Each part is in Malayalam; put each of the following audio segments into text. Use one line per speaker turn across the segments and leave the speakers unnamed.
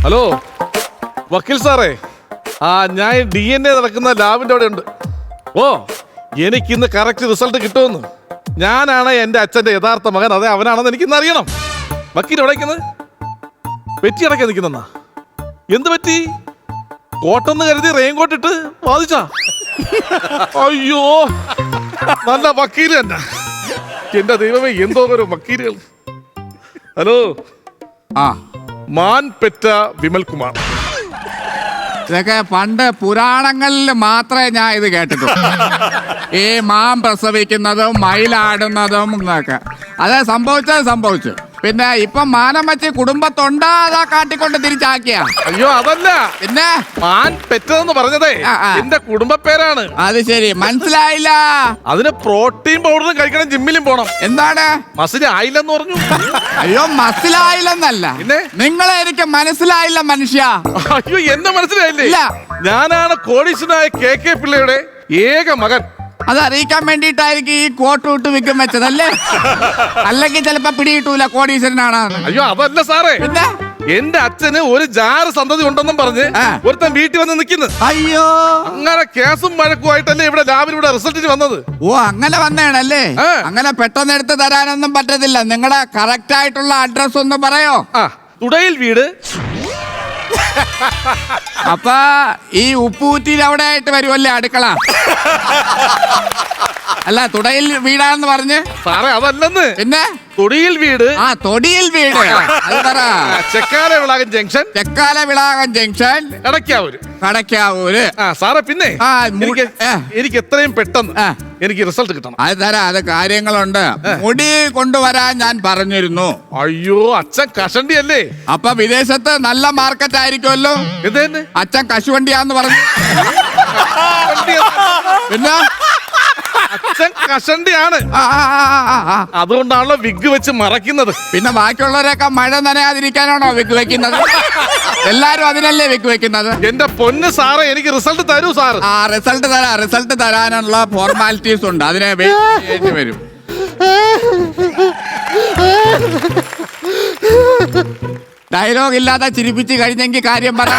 ഹലോ വക്കീൽ സാറേ, ഞാൻ DNA നടക്കുന്ന ലാബിന്റെ അവിടെ ഉണ്ട്. എനിക്കിന്ന് കറക്റ്റ് റിസൾട്ട് കിട്ടുമെന്ന്. ഞാനാണ് എൻ്റെ അച്ഛൻ്റെ യഥാർത്ഥ മകൻ, അതെ അവനാണെന്ന് എനിക്കിന്ന് അറിയണം. വക്കീൽ എവിടേക്കുന്നത്? പെറ്റി അടക്കാൻ നിൽക്കുന്നെന്നാ? എന്ത് പറ്റി? കോട്ടെന്ന് കരുതി റെയിൻകോട്ട് ഇട്ട് വാദിച്ചാ? അയ്യോ, നല്ല വക്കീൽ തന്നെ. എന്റെ ദൈവമേ, എന്തോ ഒരു വക്കീലുകൾ. ഹലോ, മാൻ പെറ്റ വിമൽകുമാർ.
ഇതൊക്കെ പണ്ട് പുരാണങ്ങളിൽ മാത്രമേ ഞാൻ ഇത് കേട്ടിട്ടുള്ളൂ. ഈ മാൻ പ്രസവിക്കുന്നതും മയിലാടുന്നതും എന്നൊക്കെ. അത് സംഭവിച്ചു. പിന്നെ ഇപ്പൊ മാനം വെച്ച് കുടുംബത്തൊണ്ടാ അതാ കാട്ടിക്കൊണ്ട് തിരിച്ചാക്കിയ?
അയ്യോ അതല്ല, പിന്നെ മാൻ പെറ്റതെന്ന് പറഞ്ഞതേ എന്റെ കുടുംബ പേരാണ്.
അത് ശരി, മനസ്സിലായില്ല.
അതിന് പ്രോട്ടീൻ പൗഡറും കഴിക്കണം, ജിമ്മിലും പോണം.
എന്താണ്
മസിൽ ആയില്ലെന്ന് പറഞ്ഞു?
അയ്യോ, മസിലായില്ലെന്നല്ല,
പിന്നെ
നിങ്ങളെ എനിക്ക് മനസ്സിലായില്ല മനുഷ്യ.
അയ്യോ, എന്നെ മനസ്സിലായില്ലേ? ഞാനാണ് കോടീശ്വരനായ KK പിള്ളയുടെ ഏക മകൻ.
അത് അറിയിക്കാൻ വേണ്ടിയിട്ടായിരിക്കും ഈ കോട്ട് വിട്ട് വിൽക്കും വെച്ചതല്ലേ? അല്ലെങ്കിൽ ചിലപ്പോ പിടികിട്ടൂല കോടീശ്വരനാണ്.
അയ്യോ അതല്ല സാറേ,
പിന്നെ
എന്റെ അച്ഛന് ഒരു ജാറ് സന്തതി ഉണ്ടെന്നും പറഞ്ഞ് ഒരുത്തൻ വീട്ടിൽ വന്ന് നിൽക്കുന്നു.
അയ്യോ,
അങ്ങനെ കേസും വഴക്കുമായിട്ടല്ലേ ഇവിടെ ലാബിലൂടെ റിസൾട്ടിന് വന്നത്.
ഓ അങ്ങനെ വന്നേണല്ലേ? അങ്ങനെ പെട്ടെന്ന് എടുത്ത് തരാനൊന്നും പറ്റത്തില്ല. നിങ്ങളുടെ കറക്റ്റ് ആയിട്ടുള്ള അഡ്രസ് ഒന്ന് പറയോ?
തുടയിൽ വീട്.
അപ്പൊ ഈ ഉപ്പൂറ്റിയിൽ അവിടെ ആയിട്ട് വരുമല്ലേ അടുക്കള? അല്ല, തുടയിൽ വീടാന്ന് പറഞ്ഞ്
സാറേ അതല്ലെന്ന്.
പിന്നെ
തൊടിയിൽ വീട്.
തൊടിയിൽ വീട്. അത് പറ.
ചെക്കാല വിളാകം ജംഗ്ഷൻ
കടക്കാവൂര്.
സാറേ പിന്നെ എനിക്ക് എത്രയും പെട്ടെന്ന് എനിക്ക് റിസൾട്ട് കിട്ടണം.
അത് തരാം, അത് കാര്യങ്ങളുണ്ട്. മുടി കൊണ്ടുവരാൻ ഞാൻ പറഞ്ഞിരുന്നു.
അയ്യോ, അച്ഛൻ കഷണ്ടി അല്ലേ?
അപ്പൊ വിദേശത്ത് നല്ല മാർക്കറ്റ് ആയിരിക്കുമല്ലോ. അച്ഛൻ കശുവണ്ടിയാന്ന് പറഞ്ഞു. പിന്നെ
അച്ഛൻ കഷണ്ടിയാണ്, അതുകൊണ്ടാണല്ലോ വിഗ് വെച്ച് മറയ്ക്കുന്നത്.
പിന്നെ ബാക്കിയുള്ളവരൊക്കെ മഴ നനയാതിരിക്കാനാണോ വിഗ് വെക്കുന്നത്? എല്ലാരും അതിനല്ലേ വിഗ് വെക്കുന്നത്?
എന്റെ പൊന്ന് സാറേ, എനിക്ക് റിസൾട്ട് തരൂ സാർ.
റിസൾട്ട് തരാനുള്ള ഫോർമാലിറ്റീസ് ഉണ്ട്, അതിനെ വെയിറ്റ് വരും. ഡയലോഗ് ഇല്ലാതെ ചിരിപ്പിച്ച് കഴിഞ്ഞെങ്കിൽ കാര്യം പറ.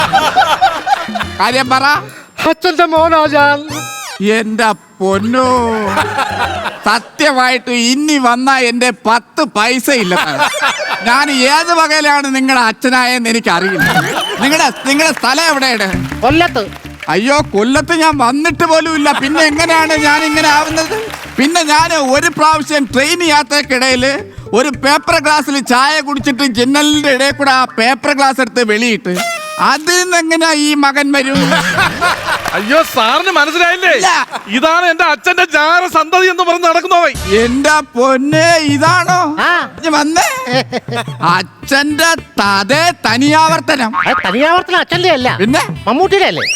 അച്ഛന്റെ മോനാ ഞാൻ.
എന്റെ പൊന്നോ, സത്യമായിട്ട് ഇനി വന്ന എന്റെ 10 പൈസ ഇല്ല. ഞാൻ ഏത് വകയിലാണ് നിങ്ങളുടെ അച്ഛനായെന്ന് എനിക്ക് അറിയില്ല. നിങ്ങളുടെ സ്ഥലം എവിടെയാണ്?
കൊല്ലത്ത്.
അയ്യോ, കൊല്ലത്ത് ഞാൻ വന്നിട്ട് പോലും ഇല്ല. പിന്നെ എങ്ങനെയാണ് ഞാൻ ഇങ്ങനെ ആവുന്നത്? പിന്നെ ഞാൻ ഒരു പ്രാവശ്യം ട്രെയിൻ യാത്രക്കിടയിൽ ഒരു പേപ്പർ ഗ്ലാസ്സിൽ ചായ കുടിച്ചിട്ട് ജനലിന്റെ ഇടയിൽ കൂടെ ആ പേപ്പർ ഗ്ലാസ് എടുത്ത് വെളിയിട്ട് അതിൽ നിന്ന് എങ്ങനെയാ ഈ മകൻ വരും?
അയ്യോ, സാറിന് മനസ്സിലായില്ലേ? ഇതാണ് എന്റെ അച്ഛന്റെ ജാര സന്തതി എന്ന് പറഞ്ഞ് നടക്കുന്നവൻ.
എന്റെ പൊന്നെ, ഇതാണോ വന്നേ? അച്ഛന്റെ തനിയാവർത്തനം.
തനിയാവർത്തനം അച്ഛന്റെ അല്ല,
പിന്നെ
മമ്മൂട്ടിയുടെ അല്ലേ?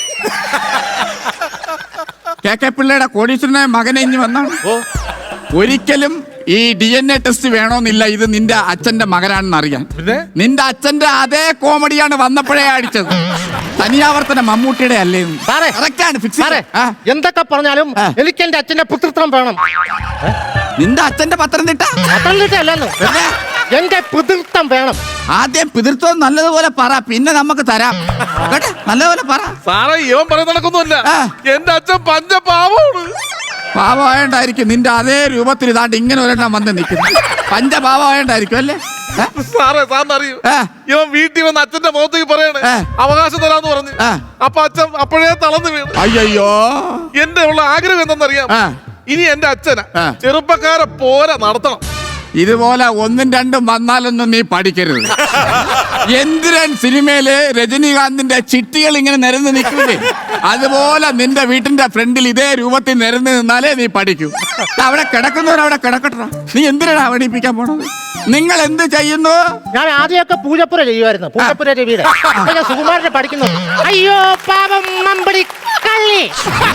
KK പിള്ളയുടെ കോടീശ്വരനായ മകനെ ഇനി വന്നാണ്. ഒരിക്കലും ഈ DNA ടെസ്റ്റ് വേണമെന്നില്ല. ഇത് നിന്റെ അച്ഛന്റെ മകനാണെന്ന് അറിയാൻ. നിന്റെ അച്ഛന്റെ അതേ കോമഡിയാണ് വന്നപ്പോഴേ അടിച്ചത്. തനിയാവർത്തനം മമ്മൂട്ടിയുടെ അല്ലേ?
എന്തൊക്കെ പറഞ്ഞാലും എനിക്ക് എന്റെ അച്ഛന്റെ പുത്രത്വം വേണം.
നിന്റെ അച്ഛന്റെ പത്തനംതിട്ട
അല്ലെന്ന്, എന്റെ പിതൃത്വം വേണം.
ആദ്യം പിതൃത്വം നല്ലതുപോലെ പറ, പിന്നെ നമുക്ക് തരാം. നല്ലതുപോലെ പറ
സാറേ. ഇവൻ പറയുന്ന നടക്കൊന്നുമില്ല. എന്റെ അച്ഛൻ പഞ്ചപാവമാണ്.
പാവമായോണ്ടായിരിക്കും നിന്റെ അതേ രൂപത്തിൽ ഇതാണ്ട് ഇങ്ങനെ ഒരെണ്ണം വന്ന് നിൽക്കുന്നു. പഞ്ചപാവമായോണ്ടായിരിക്കും അല്ലേ?
സാറേ, സാറിനറിയൂ, ഇവൻ വീട്ടിൽ വന്ന് അച്ഛന്റെ മുഖത്തേക്ക് പറയണേ അവകാശം തരാന്ന് പറഞ്ഞു. അപ്പൊ അച്ഛൻ അപ്പോഴേ തളർന്നു വീണു.
അയ്യോ,
എന്റെ ഉള്ള ആഗ്രഹം എന്തെന്നറിയാം? ഇനി എന്റെ അച്ഛനെ ചെറുപ്പക്കാരെ പോലെ നടത്തണം.
ഇതുപോലെ 1ഉം 2ഉം വന്നാലൊന്നും നീ പഠിക്കരുത്. എന്തിരൻ സിനിമയില് രജനീകാന്തിന്റെ ചിട്ടികൾ ഇങ്ങനെ നിരന്ന് നിൽക്കൂലേ, അതുപോലെ നിന്റെ വീട്ടിന്റെ ഫ്രണ്ടിൽ ഇതേ രൂപത്തിൽ നിരന്ന് നിന്നാലേ നീ പഠിക്കൂ. അവിടെ കിടക്കുന്നവരവിടെ കിടക്കട്ടെ. നീ എന്തിനാണ് അവണിപ്പിക്കാൻ പോണത്? നിങ്ങൾ എന്ത് ചെയ്യുന്നു?
ഞാൻ ആദ്യമൊക്കെ പൂജപ്പുര ചെയ്യുമായിരുന്നു. പൂജപ്പുര രവിയുടെ സുകുമാരനെ പഠിക്കുന്നു. അയ്യോ പാപം നമ്പടി കള്ളി.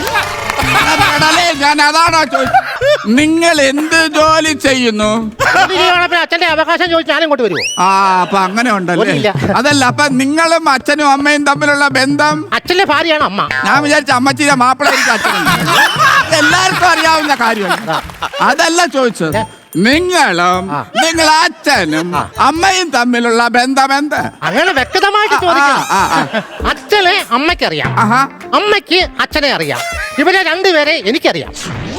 ഞാൻ അതാണോ ചോദിച്ചത്? നിങ്ങൾ എന്ത് ജോലി ചെയ്യുന്നു?
അച്ഛന്റെ അവകാശം ചോദിച്ചു ഞാൻ ഇങ്ങോട്ട് വരുമോ?
അപ്പൊ അങ്ങനെ ഉണ്ടല്ലേ? അതല്ല, അപ്പൊ നിങ്ങളും അച്ഛനും അമ്മയും തമ്മിലുള്ള ബന്ധം?
അച്ഛന്റെ ഭാര്യയാണ് അമ്മ.
ഞാൻ വിചാരിച്ച അമ്മച്ചിയുടെ മാപ്പിള അച്ഛൻ. എല്ലാവർക്കും അറിയാവുന്ന കാര്യമാണ്. അതല്ല ചോദിച്ചത്. നിങ്ങളും നിങ്ങൾ അച്ഛനും അമ്മയും തമ്മിലുള്ള ബന്ധം എന്ത്?
അങ്ങനെ വ്യക്തമായിട്ട് ചോദിക്കണം.
ആ, ആ.
അച്ഛനെ അമ്മയ്ക്കറിയാം,
ആഹാ.
അമ്മയ്ക്ക് അച്ഛനെ അറിയാം. ഇവരെ രണ്ടുപേരെ എനിക്കറിയാം.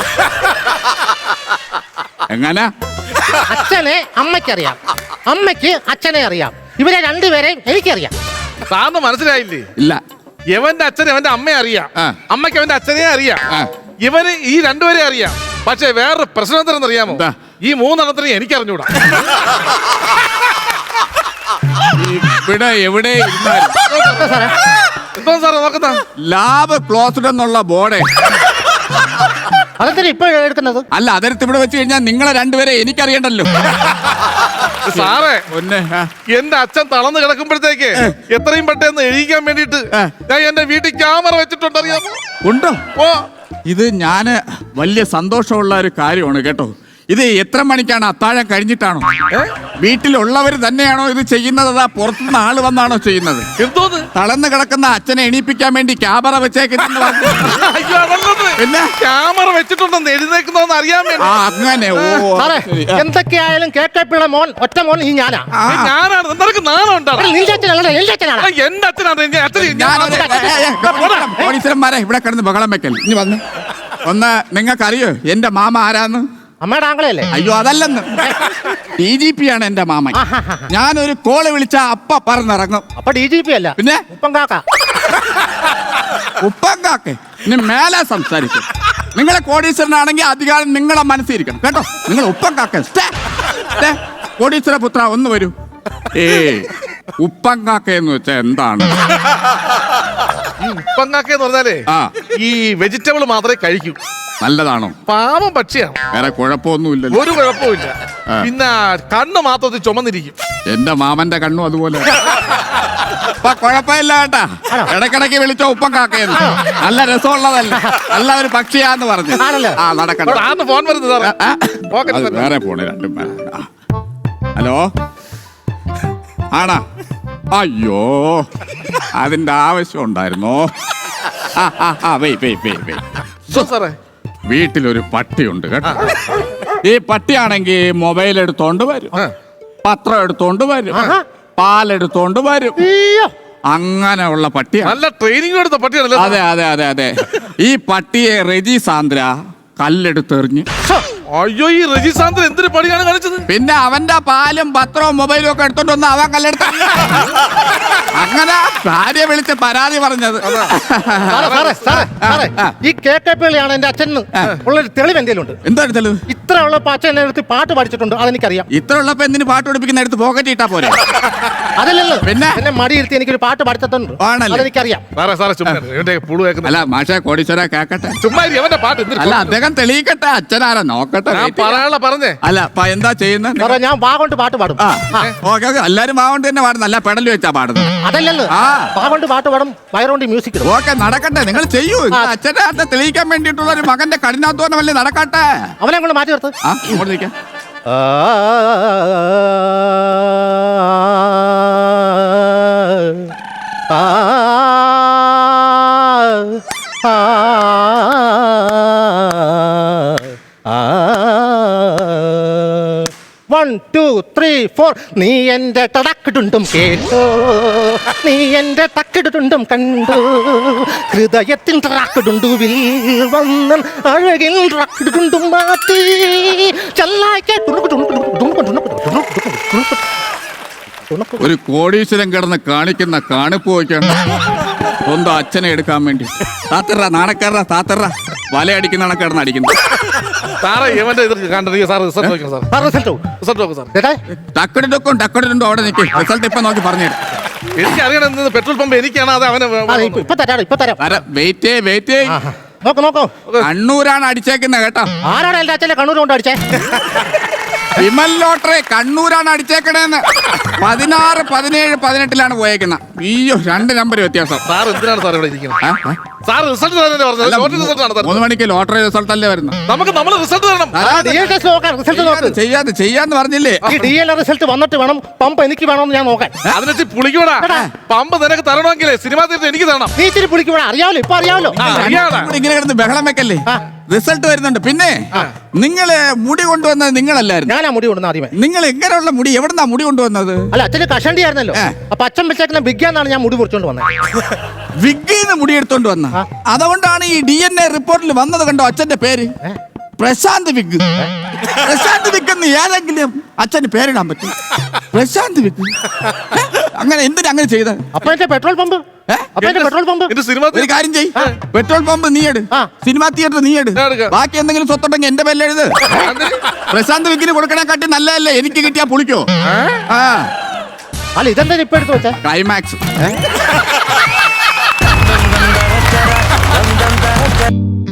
എങ്ങനെ?
അച്ഛനെ അമ്മയ്ക്കറിയാം, അമ്മയ്ക്ക് അച്ഛനെ അറിയാം. ഇവരെ രണ്ടുപേരെയും എനിക്കറിയാം.
സാറിന് മനസ്സിലായില്ലേ?
ഇല്ല.
ഇവന്റെ അച്ഛനെ അവന്റെ അമ്മയെ അറിയാം,
ആ.
അമ്മയ്ക്ക് അവന്റെ അച്ഛനെ അറിയാം.
ആ.
ഇവന് ഈ രണ്ടുപേരെ അറിയാം. പക്ഷെ വേറൊരു പ്രശ്നം എന്താണെന്ന് അറിയാമോ?
എന്താ?
ഈ മൂന്നെണ്ണത്തിനെ എനിക്കറിഞ്ഞൂടാ.
ഇവിടെ എവിടെ ഇരുന്നാലും
എന്തോ സാറേ നോക്കുന്ന
ലാബ് ക്ലോസ്ഡ് എന്നുള്ള ബോർഡ്.
അതെന്തിനാ ഇപ്പൊ എടുക്കുന്നത്?
അല്ല, അതിർത്ത് ഇവിടെ വെച്ച് കഴിഞ്ഞാൽ നിങ്ങളെ രണ്ടുപേരെ എനിക്കറിയണ്ടല്ലോ.
സാറേ,
ഒന്നെ
എന്റെ അച്ഛൻ തളർന്ന് കിടക്കുമ്പോഴത്തേക്ക് എത്രയും പെട്ടെന്ന് എഴുതിക്കാൻ വേണ്ടിട്ട് ഞാൻ എന്റെ വീട്ടിൽ ക്യാമറ വെച്ചിട്ടുണ്ട്, അറിയാമോ?
ഉണ്ടോ?
ഓ,
ഇത് ഞാന് വലിയ സന്തോഷമുള്ള ഒരു കാര്യമാണ് കേട്ടോ. ഇത് എത്ര മണിക്കാണ്? അത്താഴം കഴിഞ്ഞിട്ടാണോ? വീട്ടിലുള്ളവർ തന്നെയാണോ ഇത് ചെയ്യുന്നത്? അതാ പുറത്തുനിന്ന് ആള് വന്നാണോ ചെയ്യുന്നത്?
എന്തോന്ന്?
തളർന്ന് കിടക്കുന്ന അച്ഛനെ എണീപ്പിക്കാൻ വേണ്ടി ക്യാമറ വെച്ചേക്കുന്ന
അയ്യോ, അതല്ലത്.
പിന്നെ
ക്യാമറ വെച്ചിട്ടുണ്ടെന്ന് എഴുന്നേക്കുന്നോന്ന് അറിയാൻ വേണ്ടി.
അങ്ങനെ. ഓ,
സാറേ,
ശരി.
എന്തൊക്കെയായാലും KKP മോൻ ഒറ്റ മോൻ ഈ ഞാനാ.
ഞാനാണ്. നിനക്ക് നാണം ഉണ്ടാവും.
നിന്റെ അച്ഛനല്ല, എന്റെ അച്ഛനാണ്.
എന്റെ അച്ഛനാണ്.
പോലീസുകാരെ ഇവിടെ കിടന്ന് ബഹളം വെക്കൽ. ഇനി വന്ന് ഒന്ന്, നിങ്ങൾക്കറിയോ എന്റെ മാമ ആരാന്ന്?
അമ്മയുടെ ആംഗളയല്ലേ?
അയ്യോ, അതല്ലെന്ന്. DGP ആണ് എന്റെ മാമൻ. ഞാനൊരു കോള് വിളിച്ച അപ്പ പറന്നിറങ്ങും.
അപ്പൊ DGP അല്ല,
പിന്നെ
ഉപ്പം കാക്ക.
ഉപ്പങ്കാക്കെ ഇനി മേലെ സംസാരിക്കും. നിങ്ങളെ കോടീശ്വരനാണെങ്കിൽ അധികാരം നിങ്ങളെ മനസ്സിരിക്കണം കേട്ടോ. നിങ്ങൾ ഉപ്പങ്കാക്ക. കോടീശ്വര പുത്ര ഒന്ന് വരൂ. ഉപ്പങ്കാക്ക എന്ന് വെച്ചാ എന്താണ്?
ഉപ്പങ്ങാക്കെന്ന് പറഞ്ഞാലേ
ആ.
ഈ വെജിറ്റബിൾ മാത്രമേ കഴിക്കൂ.
നല്ലതാണോ?
പാവം പക്ഷിയാണ്.
വേറെ കുഴപ്പമൊന്നുമില്ലല്ലോ.
ഒരു കുഴപ്പമില്ല. പിന്നെ കണ്ണ് മാത്രത്തിൽ ചുമന്നിരിക്കും.
എന്റെ മാമന്റെ കണ്ണും അതുപോലെ. അപ്പൊ കുഴപ്പമില്ല കേട്ടാ. ഇടക്കിടക്ക് വിളിച്ചോ ഉപ്പങ്കാക്കയെന്ന്. നല്ല രസമുള്ളതല്ല, നല്ല ഒരു പക്ഷിയാന്ന് പറഞ്ഞു. ആ, നടക്കണ്ട.
ആന്ന് ഫോൺ വരുന്നത് സാറേ.
അത് വേറെ പോണേ രണ്ടും പേരെ. ഹലോ, ആണാ? അയ്യോ, അതിന്റെ ആവശ്യം ഉണ്ടായിരുന്നോ?
സാറേ,
വീട്ടിലൊരു പട്ടിയുണ്ട് കേട്ടോ. ഈ പട്ടിയാണെങ്കിൽ മൊബൈൽ എടുത്തോണ്ട് വരും, പത്രം എടുത്തോണ്ട് വരും, പാലെടുത്തോണ്ട് വരും. അങ്ങനെയുള്ള പട്ടിയാണ്.
നല്ല ട്രെയിനിങ് എടുത്ത പട്ടിയാണല്ലോ.
അതെ അതെ അതെ അതെ. ഈ പട്ടിയെ റെജി സാന്ദ്ര കല്ലെടുത്തെറിഞ്ഞ്.
അയ്യോ, ഈ രജിസാന്തൻ എന്തൊരു പണിയാണ് കാണിച്ചത്?
പിന്നെ അവന്റെ പാലും പത്രവും മൊബൈലും ഒക്കെ എടുത്തോണ്ട് വന്ന് അവൻ കല്ലെടുത്ത. അങ്ങനെ ഭാര്യ വിളിച്ച് പരാതി പറഞ്ഞത്.
ഈ KKP എന്റെ അച്ഛൻ ഉള്ളൊരു തെളിവ് എന്തെങ്കിലും ഉണ്ട്?
എന്താണ് തെളിവ്?
ഇത്ര ഉള്ളപ്പോ അച്ഛൻ എന്നെ എടുത്ത് പാട്ട് പഠിച്ചിട്ടുണ്ട്, അതെനിക്കറിയാം.
ഇത്ര ഉള്ളപ്പോ എന്തിന് പാട്ട് പഠിപ്പിക്കുന്ന എടുത്ത് പോക്കറ്റ് ഇട്ടാ പോരെ?
അതല്ലല്ലോ,
പിന്നെ
എന്നെ മടിയിരുത്തി എനിക്കൊരു പാട്ട് പഠിച്ചിട്ടുണ്ട്,
ആണല്ലേ?
അതെനിക്കറിയാം.
സാറേ ചുമ്മാ ഇവന്റെ പുളു കേൾക്കുന്ന.
അല്ല മാഷെ, കോടീശ്വര കേക്കട്ടെ.
ചുമ്മാ അവന്റെ പാട്ട് എന്തിന്?
അല്ല, അദ്ദേഹം തെളിയിക്കട്ടെ. അച്ഛനാരാ നോക്കട്ടെ.
ഞാൻ പറയാനുള്ള പറഞ്ഞേ.
അല്ല, എന്താ ചെയ്യുന്നത്?
സാറേ, ഞാൻ വാ കൊണ്ട് പാട്ട് പാടും.
ഓക്കെ ഓക്കെ, എല്ലാരും മാവണ്ട് തന്നെ പാടുന്നു. അല്ല, പെടല് വെച്ചാ പാടുന്നത്.
അതല്ലല്ലോ, വാ കൊണ്ട് പാട്ട് പാടും, വയറുകൊണ്ട് മ്യൂസിക് ഇടും.
ഓക്കെ, നടക്കട്ടെ. നിങ്ങൾ ചെയ്യൂ. അച്ഛന്റെ അർത്ഥം തെളിയിക്കാൻ വേണ്ടിയിട്ടുള്ള ഒരു മകന്റെ കഠിനാധ്വാനമല്ലേ, നടക്കട്ടെ.
അവനെ കൊണ്ട് മാറ്റി നിർത്ത്.
അങ്ങോട്ട് നിൽക്കാം.
One, two, three, four. നീ എന്റെ ടടക്കിടുണ്ടും കേട്ടോ, നീ എന്റെ ടക്കിടുണ്ടും കണ്ടു, ഹൃദയത്തിൽ ടറാക്കിടുണ്ടുവിൽ വന്നൻ അഴകിൽ ടക്കിടുണ്ടും മാറ്റി ചെല്ലായിക്കെ.
ഒരു കോടീശ്വരൻ കിടന്ന് കാണിക്കുന്ന കാണിപ്പ് വയ്ക്കണം സ്വന്തം അച്ഛനെ എടുക്കാൻ വേണ്ടി. താത്തറ നാണക്കാരറ, താത്തറ വലയടിക്കുന്ന കിടന്ന് അടിക്കുന്നു.
സാറേ, ഇവന്റെ ഇത് കണ്ടിരിക്കുക. സാർ റിസൾട്ട് നോക്കണം. സാർ റിസൾട്ട് നോക്കും. സാർ
ടക്കടിടുക്കും ടക്കടിടുണ്ടോ അവിടെ നിൽക്കും. റിസൾട്ട് ഇപ്പൊ നോക്കി പറഞ്ഞു.
എനിക്ക് അറിയണം, പെട്രോൾ പമ്പ് എനിക്കാണ്. അത് അവനെ
ഇപ്പൊ തരാം.
വെയിറ്റ്.
നോക്കോ,
കണ്ണൂരാണ് അടിച്ചേക്കുന്നത് കേട്ടോ.
ആരാണ് എന്റെ അച്ഛനെ കണ്ണൂർ കൊണ്ട് അടിച്ചേ?
വിമൽ ലോട്ടറി കണ്ണൂരാണ് അടിച്ചേക്കണേന്ന്. 16, 17, 18 പോയേക്കുന്ന. അയ്യോ, 2 നമ്പർ വ്യത്യാസം.
സാർ എന്തിനാണ് സാർ ഇവിടെ ഇരിക്കുന്നത്? സാർ റിസൾട്ട് തരാനല്ലേ പറഞ്ഞത്? ലോട്ടറി റിസൾട്ട് ആണ് തരുന്നത്.
3 മണിക്ക് ലോട്ടറി റിസൾട്ട് അല്ലേ വരുന്നത്?
നമ്മൾ റിസൾട്ട് തരണം.
റിസൾട്ട് നോക്ക്.
ചെയ്യാന്ന് പറഞ്ഞില്ലേ?
ഈ DL റിസൾട്ട് വന്നിട്ട് വേണം പമ്പ് എനിക്ക് വേണമെന്ന് ഞാൻ നോക്കാൻ.
അതിനെ പുളിക്കൂടാ. പമ്പ് നിനക്ക് തരണമെങ്കിലേ സിനിമ തീർത്ത് എനിക്ക് തരണം.
നീ ഇച്ചിരി പുളിക്കൂടാ. അറിയാമല്ലോ, ഇപ്പൊ അറിയാമല്ലോ.
ഇങ്ങനെ കിടന്ന് ബഹളം വെക്കല്ലേ. റിസൾട്ട് വരുന്നുണ്ട്. പിന്നെ നിങ്ങള് മുടി കൊണ്ടുവന്നത് നിങ്ങളല്ലായിരുന്നു.
ഞാനാ മുടി കൊണ്ടുവന്ന ആദ്യമേ.
നിങ്ങൾ എങ്ങനെയുള്ള മുടി എവിടുന്നാ മുടി കൊണ്ടുവന്നത്?
അല്ല, അച്ഛന് കഷണ്ടി ആയിരുന്നല്ലോ. അപ്പൊ അച്ഛൻ വെച്ചേക്കുന്ന ബിഗ്ഗാന്നാണ് ഞാൻ മുടി മുറിച്ചോണ്ട് വന്നത്.
വിഗ്ഗിന്ന് മുടി എടുത്തോണ്ട് വന്ന. അതുകൊണ്ടാണ് ഈ DNA റിപ്പോർട്ടിൽ വന്നത്. കണ്ടോ അച്ഛന്റെ പേര്? പ്രശാന്ത് വിഗ്. പ്രശാന്ത് വിഗ് എന്ന് ഏതെങ്കിലും അച്ഛന് പേരിടാൻ പറ്റും? പ്രശാന്ത് വിഗ്. അങ്ങനെ എന്തിനാ അങ്ങനെ ചെയ്ത?
അപ്പൊ എന്റെ പെട്രോൾ പമ്പ് പെട്രോൾ പമ്പ്
എന്റെ സിനിമ
ഒരു കാര്യം ചെയ്. പെട്രോൾ പമ്പ് നീ എടു. സിനിമാ തിയേറ്റർ നീ എടു. ബാക്കി എന്തെങ്കിലും സ്വത്തുണ്ടെങ്കിൽ എന്റെ പേരിൽ എഴുത്. പ്രശാന്ത് വിഗിന് കൊടുക്കണേക്കാട്ടി നല്ലതല്ലേ എനിക്ക് കിട്ടിയാ പുളിക്കോ?
അല്ല, ഇതെന്താ ഇപ്പൊ എടുത്ത് വെച്ചാ?
ക്ലൈമാക്സ്.